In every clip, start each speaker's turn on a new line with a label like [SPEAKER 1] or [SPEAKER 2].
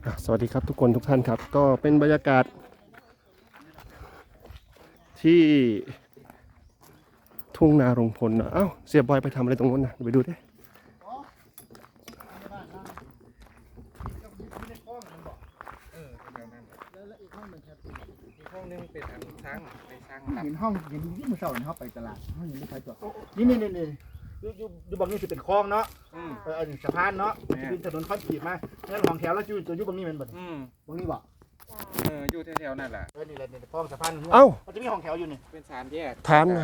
[SPEAKER 1] สวัสดีครับทุกคนทุกท่านครับก็เป็นบรรยากาศที่ทุ่งนารงพลนะเอ้าเสียบอยไปทำอะไรตรงนู้นนะไปดูดิ
[SPEAKER 2] ห้องนึงเป็นช้างไปช้าง
[SPEAKER 3] เห็นห้องเห็นที่มือเสาร์เขาไปตลาดห้องยังไม่ใครจอดนี่อยู่บางนี่จะเป็นคลองเนาะอันนี้สะพานเนาะเป็นถนนคอนกรีตมาแล้วห้องแถวแล้วอยู่บางนี่มันแบบบางนี่บ่
[SPEAKER 2] อยู่แถวๆนั่นแหละ
[SPEAKER 3] นี่แหละคลองสะพานมันจะมีห้องแถวอยู่นี่
[SPEAKER 2] เป็นสามแยก
[SPEAKER 1] ถามหน่อย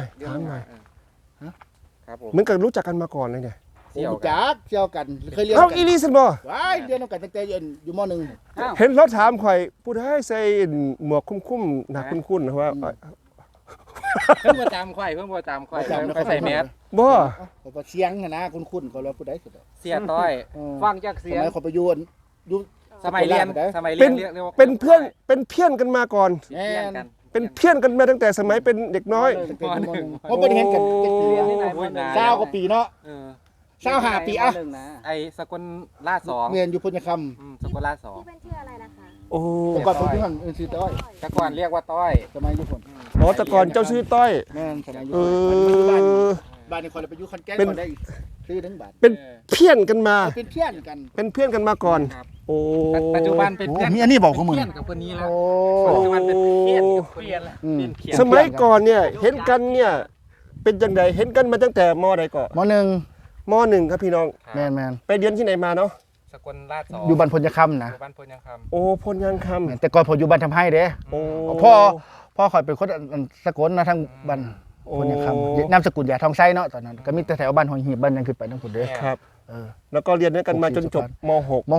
[SPEAKER 2] ครับผม
[SPEAKER 1] เหมือนกับรู้จักกันมาก่อนเลยเนี่ย
[SPEAKER 3] เที่ยวกันเคยเรียน
[SPEAKER 1] เอ้าอีลีสันบ่
[SPEAKER 3] ว้ายเรียนกันตั้งแต่อยู่ม
[SPEAKER 1] เห็นรถถามข่อยพูดให้ใส่หมวกคุ้มๆหนักคุ้นๆนะว่า
[SPEAKER 2] เพิ่งมาตามควายไปใส่แมส
[SPEAKER 1] บ่
[SPEAKER 3] เขาก็เสียงนะคุ้นเขาเราผู้ใดสุด
[SPEAKER 2] เสียต้อยฟังจาก
[SPEAKER 3] ส
[SPEAKER 2] เสียง
[SPEAKER 3] มัยเขาไปอยู่
[SPEAKER 2] สมัยเรียน
[SPEAKER 1] เป็นเพื่อนกันมาก่อน
[SPEAKER 3] แน่น
[SPEAKER 1] เป็นเพื่อนกันมาตั้งแต่สมัยเป็นเด็กน้อย
[SPEAKER 3] เขาเป็นเห็นกันเศร้ากว่าปีเนาะ 25 ปีอ่ะ
[SPEAKER 2] ไอ้สกลลาด2
[SPEAKER 3] เรียนอยู่พุทธค
[SPEAKER 2] สกลลาด
[SPEAKER 4] ที่เป็นชื่ออะไรนะคะ
[SPEAKER 1] โอ้
[SPEAKER 3] ำแต่ก่อนผมอยู่หันชื่อต้อย
[SPEAKER 2] 2แต่ก่อนเรียกว่าต้อย
[SPEAKER 3] สมัยอยู่ผม
[SPEAKER 1] อ๋อแต่ก่อนเจ้าชื่อต้อย
[SPEAKER 3] แม่นสมัยอยู่
[SPEAKER 1] เออ
[SPEAKER 3] บ้านนี่คนเราไปอยู่คันแก้ง
[SPEAKER 1] เป็น
[SPEAKER 3] ก่อนได้ซื้อถึงบาท
[SPEAKER 1] เป็นเพื่อนกันมา
[SPEAKER 3] เป็นเพื่อนกัน
[SPEAKER 1] เป็นเพื่อนกันมาก่อน โอ้
[SPEAKER 2] ปัจจุบันเป็นเพื่อน
[SPEAKER 3] มีอันนี้บอกของมึง
[SPEAKER 2] เพื่อนกับคนนี้แล้ว
[SPEAKER 3] โอ้
[SPEAKER 2] ปัจจุบันเป็นเพื่อนกับเพื่อนแล้วเป็นเขียน
[SPEAKER 1] สมัยก่อนเนี่ยเห็นกันเนี่ยเป็นจังไดเห็นกันมาตั้งแต่มใดก่อน
[SPEAKER 3] ม .1
[SPEAKER 1] มหนึ่งครับพี่น้อง
[SPEAKER 3] แม่น
[SPEAKER 1] ไปเรียนที่ไหนมาเนาะ
[SPEAKER 2] สกลลาด2
[SPEAKER 3] อยู่บ้านพญคำนะ
[SPEAKER 2] อยู่บ้านพลยังคำ
[SPEAKER 1] โอ้พลยังค
[SPEAKER 3] แม่นแต่ก่อนผมอยู่บ้านทำให้เด้
[SPEAKER 1] ำโอ้
[SPEAKER 3] พ่อข่อยเป็นคนสกลนะทางบ้านพญคำนามสกุลยาทองไส้เนาะตอนนั้นก็มีแต่แถวบ้านหอยหีบบ้านยังขึ้นไปทั้งหมดเด้
[SPEAKER 1] ครับ
[SPEAKER 3] เออ
[SPEAKER 1] แล้วก็เรียนด้วยกันมาจนจบม
[SPEAKER 3] ม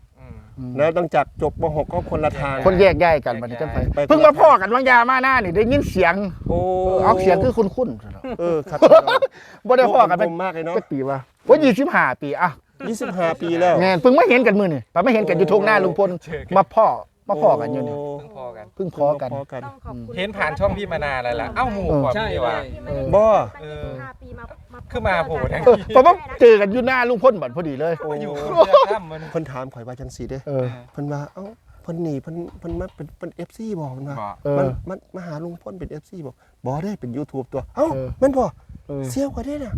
[SPEAKER 1] .6 แล้วตั้งจากจบม .6 ก็คนละทาง
[SPEAKER 3] .6 คนแยกย้ายกันบัดนี้จังไป
[SPEAKER 1] ไป
[SPEAKER 3] เพิ่งมาพ่อกันบางยามาหน้านี่ได้ยินเสียง
[SPEAKER 1] โอ้
[SPEAKER 3] เอาเสียงคือคุ้นๆ
[SPEAKER 1] เออครับ
[SPEAKER 3] บ่ได้พ่อกันเป็น
[SPEAKER 1] มากเลยเนาะ
[SPEAKER 3] จักปีว่า25 ปีอ่ะ
[SPEAKER 1] 25 ปีแล้ว
[SPEAKER 3] แม่นเพิ่งมาเห็นกันมื้อนี่ปไม่เห็นกันอยู่ทุ่งหน้าลุงพลมาพ่อกันอยู่นี่
[SPEAKER 2] เพิ่งพอกัน
[SPEAKER 3] เพิ่งพอกัน
[SPEAKER 4] ต้องขอบคุณ
[SPEAKER 2] เห็นผ่านช่องพี่มานานแล้วล่ะเอ้าหมู่กว่าพี่ว่า
[SPEAKER 4] ที่ไม่ได้
[SPEAKER 1] บ่
[SPEAKER 4] ตั้ง25 ปีมา
[SPEAKER 2] คือมาโผล่ทั้ง
[SPEAKER 3] เพราะว่าเจอกันอยู่หน้าลุงพลบัดพอดีเลย
[SPEAKER 2] มาอยู่คนเดียวข้ามมัน
[SPEAKER 1] เพิ่นถามข่อยว่าจังซี่เด้
[SPEAKER 3] เออ
[SPEAKER 1] เพิ่นว่าเอ้าเพิ่นหนีเพิ่นมาเป็น FC บ่เพิ่นว่า
[SPEAKER 2] บอก
[SPEAKER 3] เออ
[SPEAKER 1] มันมาหาลุงพลเป็น FC บ่บ่ได้เป็น YouTube ตัวเอ้า
[SPEAKER 3] เออ
[SPEAKER 1] แม่นบ่
[SPEAKER 3] เออ
[SPEAKER 1] เสียวกว่าเด้น่ะ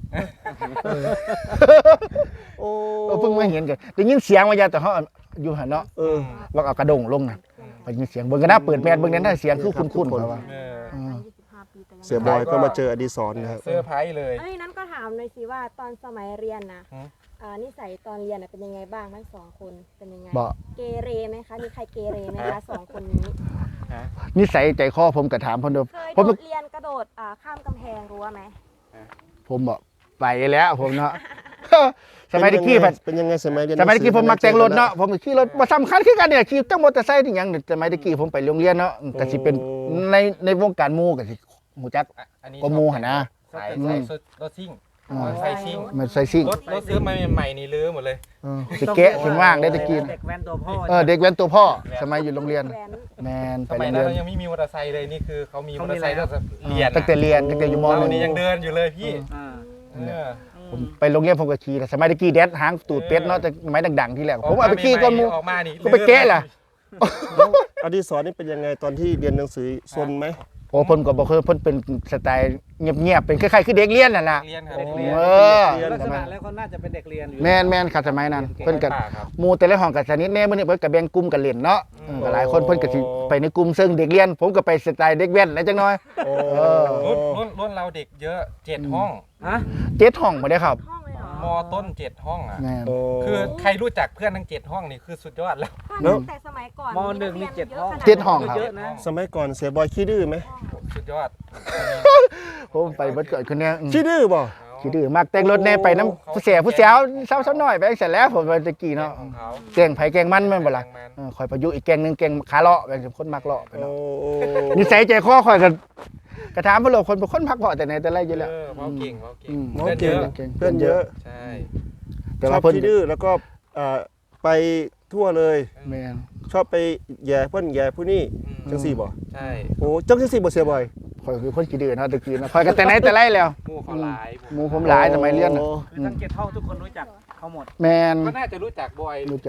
[SPEAKER 1] โอ้
[SPEAKER 3] เพิ่งมาเห็นกันได้ยินเสียงว่ายาแต่เขาอยู่หันเนาะ
[SPEAKER 1] เออ
[SPEAKER 3] ว่าเอากระดงลงน่ะได้ยินเสียงเบิ่งกันนะเปิดแมสเบิ่งนั้นเสียงคือคุ้นๆเขาว่า
[SPEAKER 2] เออ
[SPEAKER 4] 25 ปีแต่ยัง
[SPEAKER 1] เสียบอยก็มาเจออดิศรนะครับ
[SPEAKER 2] เซอร์ไพรส์เลย
[SPEAKER 4] เอ้ยนั้นก็ถามหน่อยสิว่าตอนสมัยเรียนนะ
[SPEAKER 2] ฮะ
[SPEAKER 4] นิสัยตอนเรียนเป็นยังไงบ้างทั้งสองคนเป็นยังไง
[SPEAKER 3] บ่
[SPEAKER 4] เกเรไหมคะมีใครเกเรไหมคะสองคนนี้
[SPEAKER 3] นิสัยใจคอผมก็ถามเพิ่นเด้อ
[SPEAKER 4] เคย
[SPEAKER 3] ผม
[SPEAKER 4] โดดเรียนกระโดดข้ามกำแพงรั้วไหม
[SPEAKER 3] ผมบอกไปแล้วผมเนาะ สมัยตะกี้
[SPEAKER 1] เป็นยังไงสมัยเรียน
[SPEAKER 3] สมัยตะกี้ผมมักแต่งรถเนาะผมขี่รถบ่สำคัญคือกันเนี่ยขี่ตั้งมอเตอร์ไซค์นี่หยังสมัยตะกี้ผมไปโรงเรียนเนาะก็สิเป็นในวงการหมู่ก็สิฮู้จัก
[SPEAKER 2] อันนี้
[SPEAKER 3] ก็หมู่หั่นนะ
[SPEAKER 2] สายรถซิ่งสายซิ่ง
[SPEAKER 3] มันใส่ซิ่ง
[SPEAKER 2] รถซื้อมาใหม่ๆนี่ลื้อหมดเลย
[SPEAKER 3] สิแกะสิว่างได้ตะกี้
[SPEAKER 5] เด็กแว้นตัวพ่อ
[SPEAKER 3] เด็กแว้นตัวพ่อสมัยอยู่โรงเรียน
[SPEAKER 4] แว้น
[SPEAKER 3] แมน
[SPEAKER 2] ส
[SPEAKER 3] ไป
[SPEAKER 2] มัย
[SPEAKER 3] โรง
[SPEAKER 2] นั้น
[SPEAKER 3] เรียน
[SPEAKER 2] เรายังไม่มีมอเตอร์ไซค์เลยนี่คือเขามีมอเตอร์ไซค์ตั้งแต่เรียน
[SPEAKER 3] ตั้งแต่เรียนตั้งแต่อยู่ม
[SPEAKER 2] เรา
[SPEAKER 3] .1
[SPEAKER 2] นี่ยังเดินอยู่เลยพี่
[SPEAKER 5] อ่า
[SPEAKER 3] ผมไปโรงเรียนผมก็ขี่แต่สมัยตะกี้แดดหางตูดเป็ดเนาะแต่สมัยดังๆที่แรกผมเอาไปขี่ก่อนหมู่
[SPEAKER 2] ออกมานี่
[SPEAKER 3] ก็ไปแกะล่ะ
[SPEAKER 1] อดิศรนี่เป็นยังไงตอนที่เรียนหนังสือซนไหม
[SPEAKER 3] โอ้เพิ่นก็บ่เคยเพิ่นเป็นสไตล์เงียบๆเป็นคล้ายๆคือเด็กเรียนนั่นน่ะ
[SPEAKER 2] เรียนครับ
[SPEAKER 5] เด็กเรียน
[SPEAKER 3] เออ
[SPEAKER 5] ลักษณะแล้วเขาน่าจะเป็นเด็กเรียนอยู่
[SPEAKER 3] แม่นครับสมัยนั้นเพิ่นก็
[SPEAKER 2] ครับ
[SPEAKER 3] หมู่แต่ละห้องก็สนิทแน่มื้อนี้เพิ่นก็แบ่งกลุ่มกันเล่นเนาะก็หลายคนเพิ่นก็สิไปในกลุ่มซึ่งเด็กเรียน ผมก็ไปสไตล์เด็กแว้นแล้วจังน้อย
[SPEAKER 1] โอ้
[SPEAKER 2] รุ่นเราเด็กเยอะ7ห้อง
[SPEAKER 5] ฮะ
[SPEAKER 3] 7ห้องบ่ได้ครับ
[SPEAKER 4] ห้องเลยเหรอ
[SPEAKER 2] มต้น7ห้องอ่ะ
[SPEAKER 3] แม่น
[SPEAKER 1] โอ้
[SPEAKER 2] คือใครรู้จักเพื่อนทั้ง7ห้องนี่คือสุดยอดแล้ว
[SPEAKER 4] ก็ตั้งแต่สมัยก่อน
[SPEAKER 5] มหนึ่งมี7ห้อง
[SPEAKER 3] เจ็ดห้องครับ
[SPEAKER 5] เยอะนะ
[SPEAKER 1] สมัยก่อนเสียบอยขี้ดื้อไหม
[SPEAKER 2] สุดยอด
[SPEAKER 3] ผมไปเบิดเกิดคนเนี้ย
[SPEAKER 1] ขี้ดื้อบ่
[SPEAKER 3] ขี้ดื้อมากแต่งรถแน่ไปน้ำผู้เสียผู้สาวสาวๆน้อยไปเสร็จแล้วผมไปตะกี้เนาะ
[SPEAKER 2] ของเขา
[SPEAKER 3] แกงไผแกงมันแม่นบ่ล่ะคอยประยุกต์อีกแกงหนึงแกงขาเลาะเป็นคนมักเลาะไป
[SPEAKER 1] โอ้
[SPEAKER 3] เนาะนิสัยใจคอคอยกันกระถามพวกเราคนเป็นคนพักเผาะแต่ไหนแต่ไรอยู่แล้ว
[SPEAKER 2] เมาเก่งเมาเก่ง
[SPEAKER 1] หมอเก่งเพื่อนเยอะ
[SPEAKER 2] ใช่
[SPEAKER 3] แต่
[SPEAKER 1] ชอ
[SPEAKER 3] ว่า
[SPEAKER 1] บ
[SPEAKER 3] เพิ่น
[SPEAKER 1] ขี้ดื้อแล้วก็ไปทั่วเลย
[SPEAKER 3] แม่น
[SPEAKER 1] ชอบไปแย่เพื่อนแย่ผู้นี่จังสี่บ่
[SPEAKER 2] ใช่
[SPEAKER 1] โอ้จังสี่บ่เสียบอย
[SPEAKER 3] คอยคือคนขี้ดื้อเนาะตะกี้เนาะคอยกันแต่ไหนแต่ไรแล้ว
[SPEAKER 2] หมู่เขาหลาย
[SPEAKER 3] หมู่ผมหลายสมัยเรียนน่ะ
[SPEAKER 1] โอ้
[SPEAKER 5] คือทั้ง7ห้องทุกคนรู้จักเขาหมด
[SPEAKER 3] แม่น
[SPEAKER 2] ก็น่าจะรู้จักบอย
[SPEAKER 3] รู้จัก
[SPEAKER 2] เซ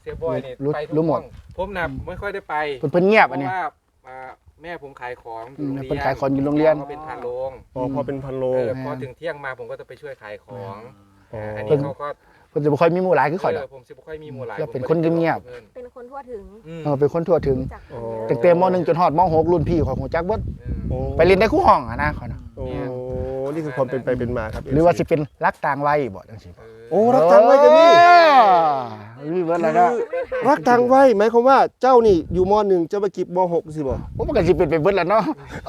[SPEAKER 2] สียบอยนี่
[SPEAKER 3] รู้
[SPEAKER 2] ไปทุก
[SPEAKER 3] รู้หมด
[SPEAKER 2] ห้องผมน่ะไม่ค่อยได้ไป
[SPEAKER 3] เพิ่นเงียบ
[SPEAKER 2] เพ
[SPEAKER 3] อัน
[SPEAKER 2] ราะ
[SPEAKER 3] นี้
[SPEAKER 2] ว่าแม่ผมขายของอยู่โรงเรียน
[SPEAKER 3] เพิ่นขายของอยู่โรงเรียน
[SPEAKER 2] พ่อเป็นพานโรง
[SPEAKER 1] พอเป็นพันโล
[SPEAKER 2] พอถึงเที่ยงมาผมก็จะไปช่วยขายของ
[SPEAKER 1] อ๋ออั
[SPEAKER 2] อันนี้เขาก็
[SPEAKER 3] เพิ่นจะบ่ค่อยมีหมู่หลายคือข่อยดอก
[SPEAKER 2] ผมสิบ่ค่อยมีหมู่หลาย
[SPEAKER 3] แล้วเป็นคนเงียบ
[SPEAKER 4] เป็นคนทั่วถึง
[SPEAKER 3] เป็นคนทั่วถึง
[SPEAKER 4] รู้จักคนเยอะ
[SPEAKER 3] ตั้งแต่ม .1 จนฮอดม .6 รุ่นพี่ข่อยฮู้จักเบิด
[SPEAKER 1] โอ้
[SPEAKER 3] ไปเรียนได้คู่ห้องอะนะข่อยนะ
[SPEAKER 1] โอ้นี่คือความเป็นไปเป็นมาครับ
[SPEAKER 3] หรือว่าสิเป็นรักต่างวัยบ่จังซี่
[SPEAKER 1] โอ้รักตังไว้กันนี่
[SPEAKER 3] มีเบิดแล้วเนาะ
[SPEAKER 1] รักตังไว้หมายความว่าเจ้านี่อยู่ม .1 จะไปกิบม .6 สิบ่
[SPEAKER 3] โอ้มันก็สิเป็นไปเบิดแล้วเนาะ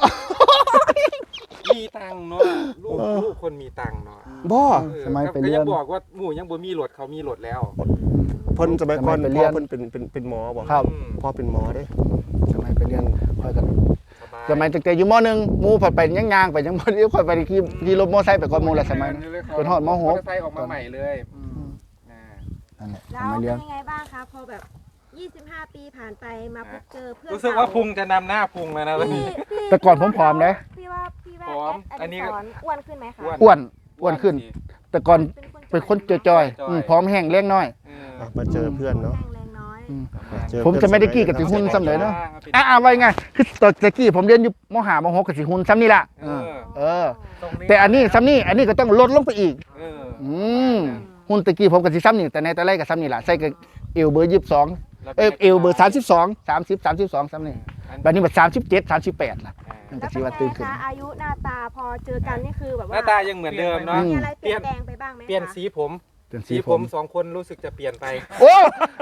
[SPEAKER 2] มีตังค์เนาะลูกคนมีตังค์เนาะ
[SPEAKER 1] บ่
[SPEAKER 3] สมัยไป
[SPEAKER 2] ก็
[SPEAKER 3] เรีย
[SPEAKER 2] ยั
[SPEAKER 3] น
[SPEAKER 2] งบอกว่าหมู่ยังบ่มีรถเขามีรถแล้ว
[SPEAKER 1] เพิ่นสมัยก่อน
[SPEAKER 3] สมัยไปเรี
[SPEAKER 1] พ่
[SPEAKER 3] ย
[SPEAKER 1] อน เพิ่นเป็นหมอบ่
[SPEAKER 3] ครับ
[SPEAKER 1] พ่อเป็นหมอเด้
[SPEAKER 3] สมัยไปเรียนข่อยก็
[SPEAKER 2] สบาย
[SPEAKER 3] สมัยตั้งแต่อยู่ม .1 หมู่ผัดไปย่างๆไปยังบ่ได้ข่อยไปขี่รถมอไซค์ไปก่อนหมู่ละสมัยนั้น เป็นฮอดม
[SPEAKER 2] มอ
[SPEAKER 3] .6
[SPEAKER 2] เตอร์ไซค์ออกมาใหม่เลยอ่า
[SPEAKER 3] นั่นแหละส
[SPEAKER 4] แล้ว
[SPEAKER 3] มัย
[SPEAKER 4] เป็
[SPEAKER 3] เรียน
[SPEAKER 4] นยังไงบ้างคะพอแบบ 25 ปีผ่านไปมาพบเจอเพื่อน
[SPEAKER 2] รู้สึกว่าพุงจะนำหน้าพุงแล้วนะวันนี้
[SPEAKER 3] แต่ก่อนผมผอมนะ
[SPEAKER 4] พี่ว่าพี่ว่า
[SPEAKER 2] ผอมอันนี้
[SPEAKER 4] สอนอ้วนขึ้นไหมคะ
[SPEAKER 3] อ้วนขึ้น แต่ก่อนเป็นคนจอยๆพร้อมแห้งเลี้ยงน้อย
[SPEAKER 1] อ่ะมาเจอเพื่อนเนาะ
[SPEAKER 4] แรงน้อย
[SPEAKER 1] าเจอ
[SPEAKER 3] ผมจะไม่ได้กี้กับสิหุ่นซ้ำเลยเนาะไว้ไงคือตอนตะกี้ผมเรียนอยู่ม5ม6กับสิหุ่นซ้ำนี่ล่ะแต่อันนี้ซ้ำนี่อันนี้ก็ต้องลดลงไปอีกหุ่นตะกี้ผมกับสิซ้ำนี่แต่ในแต่ไรกับซ้ำนี่ล่ะใส่กับเอวเบอร์22เอวเบอร์32 30 32ซ้ำนี่บัดนี้มัน37 38ล่ะมัน
[SPEAKER 4] แล้
[SPEAKER 3] ก็
[SPEAKER 4] ว
[SPEAKER 3] สิ
[SPEAKER 4] เป็น
[SPEAKER 3] ว่า
[SPEAKER 4] ไง
[SPEAKER 3] ตื่นขึ้น
[SPEAKER 4] คะอายุหน้าตาพอเจอกันนี่คือแบบ
[SPEAKER 2] ห
[SPEAKER 4] ว่า
[SPEAKER 2] น้าตายังเหมือนเดิมเนาะ
[SPEAKER 4] มีอะไรเปลี่ยนแปลงไปบ้างไหมคะ
[SPEAKER 2] เปลี่ยนสีผม
[SPEAKER 3] เป็น
[SPEAKER 2] สีผมสองคนรู้สึกจะเปลี่ยนไป
[SPEAKER 3] โอ้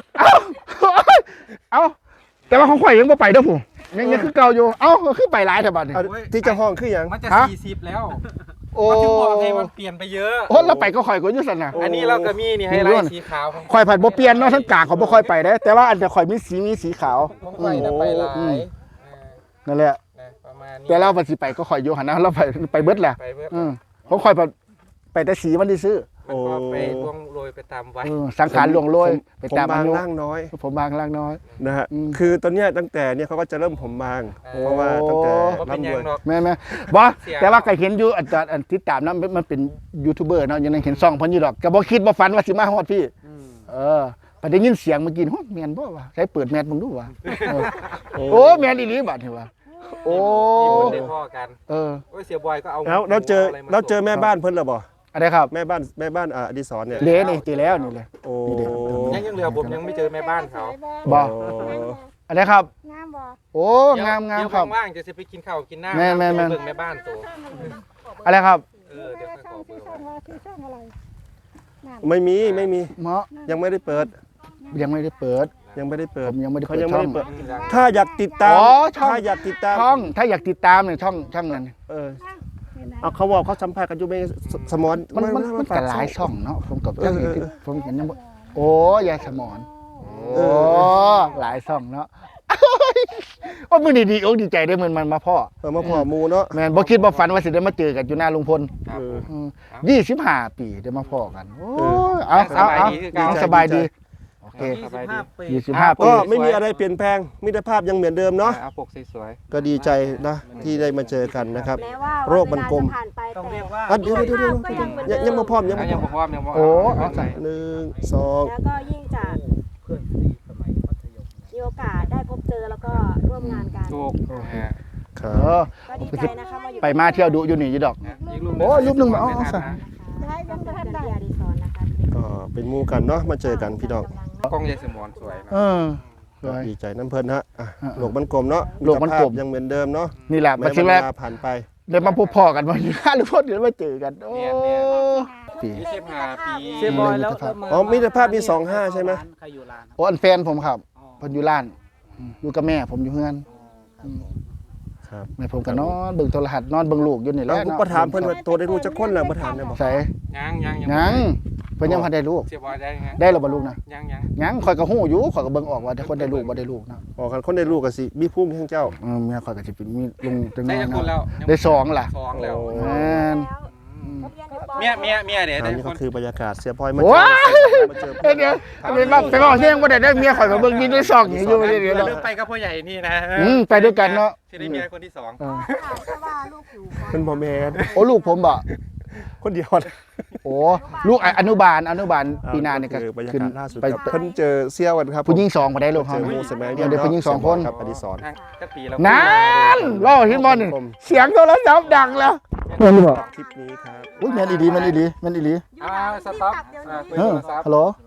[SPEAKER 3] เอาแต่ว่าของข่อยยังบ่ไปเด้อผู้ยังคือเก่าอยู่เอ้าก็คือไปหลายแต่บัดนี้
[SPEAKER 1] เอาที่เจะห้องคือหยัง
[SPEAKER 2] มันจะ
[SPEAKER 3] ฮะ
[SPEAKER 2] 40แล้ว
[SPEAKER 3] โอ้
[SPEAKER 2] ก็ถึงบอกไงมันเปลี่ยนไปเยอะ
[SPEAKER 3] โอ้เราไปก็ข่อยก็อยู่ซั่นน่ะ
[SPEAKER 2] อันนี้เราก็มีนี่ให้ไลท์สีขาว
[SPEAKER 3] ข่อยผัดบ่เปลี่ยนเนาะทั้งกลางเขาบ่ค่อยไปได้แต่ว่าอันจะข่อยมีสีขาว
[SPEAKER 2] ผมไปนะไปหลาย
[SPEAKER 3] นั่นแหละ
[SPEAKER 2] ประมาณนี้
[SPEAKER 3] แต่เราบัดสิไปก็ข่อยอยู่หั่นนะเราไปเบิดแหละ
[SPEAKER 2] ไปเพื่อ
[SPEAKER 3] ของข่อยไปแต่สีมันซื้อ
[SPEAKER 2] มันก็ไปล่วงโรยไปตามวัด
[SPEAKER 3] สังขารล่วงโรยไป
[SPEAKER 1] ผม
[SPEAKER 3] ตาม
[SPEAKER 1] บาง
[SPEAKER 3] อายุ
[SPEAKER 1] ร่างน้อย
[SPEAKER 3] ผมบางล่างน้อย
[SPEAKER 1] นะฮะ
[SPEAKER 3] อืม
[SPEAKER 1] คือตอนเนี้ยตั้งแต่เนี่ยเขาก็จะเริ่มผมบางเพราะว่าตั้งแต่
[SPEAKER 2] ก็เป็น
[SPEAKER 1] ร่ำ
[SPEAKER 2] ยั
[SPEAKER 1] รง วย
[SPEAKER 2] ดอก
[SPEAKER 3] แม่นบ่
[SPEAKER 2] เสีย
[SPEAKER 3] แต่ว่าก็เห็นอยู่อันติดตามนะมันเป็นยูทูบเบอร์เนาะยังเห็นซ่องเพิ่นอยู่ดอกก็บ่คิดบ่ฝันว่าสิมาฮอดพี่พอได้ยินเสียงเมื่อกี้โหแม่นบ่วะใช้เปิดแมสเบิ่งดูวะโอ้แม่นอีหลีบัดนี่วะโอ้
[SPEAKER 2] มีคนได้พ่อกัน
[SPEAKER 3] โอ้
[SPEAKER 2] เสียบอยก็เอา
[SPEAKER 1] แล้วเราเจอแม่บ้านเพิ่นหรือบ่
[SPEAKER 3] อะไรครับ
[SPEAKER 1] แม่บ้านอดิศรเนี่ย
[SPEAKER 3] เลนี่ตีแล้วนี่เลย
[SPEAKER 1] โอ้
[SPEAKER 3] นี่เด็ก
[SPEAKER 2] ยังเหลือผมยังไม่เจอแม่บ้านเขา
[SPEAKER 3] บ่
[SPEAKER 1] โอ้
[SPEAKER 3] อะไรครับ
[SPEAKER 4] งามบ่
[SPEAKER 3] โอ้งาม
[SPEAKER 2] เดี๋ยว
[SPEAKER 3] ครับ
[SPEAKER 2] ว่างๆจะไปกินข้าวกินน้ำ
[SPEAKER 3] แม่น
[SPEAKER 2] เบิ่งแม่บ้านตัว
[SPEAKER 3] อะไรครับ
[SPEAKER 2] เดี๋ยวค่อยขอเบอร์ไว้
[SPEAKER 1] ไม่มี
[SPEAKER 3] เมาะ
[SPEAKER 1] ยังไม่ได้เปิด
[SPEAKER 3] ยังไม่ได้เปิด
[SPEAKER 1] ยังไม่ได้เปิ
[SPEAKER 3] ผ
[SPEAKER 1] ด
[SPEAKER 3] มยังไม่ได้
[SPEAKER 1] เขา
[SPEAKER 3] เปิด
[SPEAKER 1] ยัง
[SPEAKER 3] ช่
[SPEAKER 1] ไม่
[SPEAKER 3] อง
[SPEAKER 1] ได้เปิดถ้าอยากติดตาม
[SPEAKER 3] อ๋อช่อง
[SPEAKER 1] ถ้าอยากติดตาม
[SPEAKER 3] ช่องถ้าอยากติดตามเนี่ยช่องนั้น
[SPEAKER 1] เอาเขาบอกเขาสัมภาษณ์กันอยู่ไม่สมอน
[SPEAKER 3] มันก็หลายช่องเนาะผมกับผมเห็นยังบ่โอ้ยายสมอนโอ้หลายช่องเนาะโอ้มือดีๆอกดีใจได้มันมาพ่อ
[SPEAKER 1] มาพอมูเนาะ
[SPEAKER 3] แม่นบ่คิดบ่ฝันว่าสิได้มาเจอกันอยู่หน้าลุงพล
[SPEAKER 2] ครับผม
[SPEAKER 3] 25 ปีได้มาพ่อกันโอ้ยเอา
[SPEAKER 2] สบายดีคือกัน
[SPEAKER 3] สบายดีโอเค
[SPEAKER 5] 25 ปี
[SPEAKER 3] 25 ปี
[SPEAKER 1] ก็ไม่มีอะไรเปลี่ยนแปลงมิตรภาพยังเหมือนเดิมเนาะ
[SPEAKER 2] เอาปกสวย
[SPEAKER 1] ก็ดีใจนะที่ได้มาเจอกันนะครับ
[SPEAKER 4] แม้ว่า
[SPEAKER 1] โรคมันกลม
[SPEAKER 4] เวลาจะผ่านไป
[SPEAKER 5] ต้อง
[SPEAKER 4] แต่
[SPEAKER 5] เรียกว่า
[SPEAKER 1] อ่ะเดี๋ยว
[SPEAKER 4] ก็ยังเหมือนเดิม
[SPEAKER 1] ยังมาพร้อม
[SPEAKER 2] ๆ
[SPEAKER 1] ยัง
[SPEAKER 2] แล้ว
[SPEAKER 1] มา
[SPEAKER 2] ยัง
[SPEAKER 1] พร้อม
[SPEAKER 2] บอกว่ายังบอก
[SPEAKER 3] โอ้
[SPEAKER 2] เอาใส่
[SPEAKER 1] 1 2
[SPEAKER 4] แล้วก็ยิ่งจะมีโอกาสได้พบเจอแล้วก็ร่วมงานกัน
[SPEAKER 2] ถูก
[SPEAKER 1] ครับ
[SPEAKER 4] ก็ดีใจนะคะมาอยู่
[SPEAKER 3] ไปมาเที่ยวดูอยู่นี่อยู่ดอก
[SPEAKER 2] อีกรูป
[SPEAKER 3] โอ้รูปหนึ่งมาเอาใส่
[SPEAKER 4] ให้เป็นประธานที่อดิศรนะคะ
[SPEAKER 1] ก็เป็นหมู่กันเนาะมาเจอกันพี่น้อง
[SPEAKER 2] กล้องยายสมอนสวยนะ
[SPEAKER 3] สวย
[SPEAKER 1] ดีใจน้ำเพลินฮะอ่ะโลกมันกลมเนาะ
[SPEAKER 3] โลกมันกลม
[SPEAKER 1] ตรภาพยังเหมือนเดิมเนาะ
[SPEAKER 3] นี่แหละ
[SPEAKER 1] แม้
[SPEAKER 3] มา
[SPEAKER 1] เว
[SPEAKER 3] ถึงแล้ว
[SPEAKER 1] ลาผ่านไป
[SPEAKER 3] เดี๋ยวมาพบพ่อกันวันนี้หรือพอเดี๋ยวมาเจอกันโอ้ปี
[SPEAKER 2] 25 ปี
[SPEAKER 5] เสียบอยแล้ว
[SPEAKER 1] อ๋อมิตรภาพมี25ใช่ไหม
[SPEAKER 5] ใครอยู่ร้าน
[SPEAKER 3] โอ้อันแฟนผมครับเพิ่นอยู่ร้านอยู่กับแม่ผมอยู่เฮือน
[SPEAKER 1] ครับ
[SPEAKER 3] แม่ผมก็นอนเบิ่งโทรทัศน์นอนเบิ่งลูกอยู่นี่แห
[SPEAKER 1] แล้
[SPEAKER 3] ละ
[SPEAKER 1] วผมก็ถามเพิ่นว่าตัวได้รู้จักคนแล้วบ่ถามได้บ่
[SPEAKER 3] ใส่
[SPEAKER 2] ยัง
[SPEAKER 3] ยังเพิ่นยังบ่ได้ลูก
[SPEAKER 2] เสียบอยได้ไง
[SPEAKER 3] ได้แล้วบ่ลูกนะ
[SPEAKER 2] ยัง
[SPEAKER 3] ยังข่อยก็ฮู้อยู่ข่อยก็เบิ่งออกว่าแต่คนได้ลูกบ่ได้ลูกนะ
[SPEAKER 1] อ๋อคันคนได้ลูกก็สิมีภูมิแห่งเจ้า
[SPEAKER 3] เมียข่อยก็สิเป็นมีลุงจัง
[SPEAKER 2] ได้
[SPEAKER 3] น้อย
[SPEAKER 2] จะคนแล้
[SPEAKER 3] เนาะ
[SPEAKER 2] ว
[SPEAKER 3] ได้สองล่ะ
[SPEAKER 2] 2แล้ว
[SPEAKER 1] โอ้
[SPEAKER 3] แม่น
[SPEAKER 2] เมียเดี๋ยว
[SPEAKER 1] อัน
[SPEAKER 2] ได้
[SPEAKER 1] นี้
[SPEAKER 2] ค
[SPEAKER 1] ก็
[SPEAKER 2] น
[SPEAKER 1] คือบรรยากาศเสียพลอยมา
[SPEAKER 3] โอ้ย
[SPEAKER 1] มาเจอ
[SPEAKER 3] เดี๋ยวไปบอกเสียงบ่ได้เมียข่อยก็เบิ่งมีได้สองอยู่เดี๋ยว
[SPEAKER 2] เรื่องไปกับพ่อใหญ่นี่นะ
[SPEAKER 3] ไปด้วยกันเนาะ
[SPEAKER 2] ที่ได้เมียคนที่ 2
[SPEAKER 4] เพราะว่าลูกผิว
[SPEAKER 1] เป็นบ่แม่น
[SPEAKER 3] โอ้ลูกผมบ่
[SPEAKER 1] คนเดียว
[SPEAKER 3] โอ้ลูกอนุบาลปีหน้านี่ก็
[SPEAKER 1] คือบรรยา
[SPEAKER 3] ขึ้น
[SPEAKER 1] กาศล่าสุด
[SPEAKER 3] ไป
[SPEAKER 1] ครับเพิ่นเจอเซี่ยวกันครับ
[SPEAKER 3] ผู้หญิง2บ่ได้ลูก
[SPEAKER 1] เจ
[SPEAKER 3] เฮา
[SPEAKER 1] อหมู่สมัย
[SPEAKER 3] เดี๋ยวผู้หญิง2คน
[SPEAKER 1] ครับอดิศร
[SPEAKER 2] จักปีแล้ว
[SPEAKER 3] นั่นรอเห็นบ่นี่เสียงโทรศัพท์ดังแล้วแม่นบ่
[SPEAKER 1] คลิปนี้ครับ
[SPEAKER 3] อุ้ยแม่นอีหลี
[SPEAKER 2] สต็อปคุย
[SPEAKER 3] เอ
[SPEAKER 2] โท
[SPEAKER 3] อ
[SPEAKER 2] รศัพท์
[SPEAKER 3] ฮัลโหล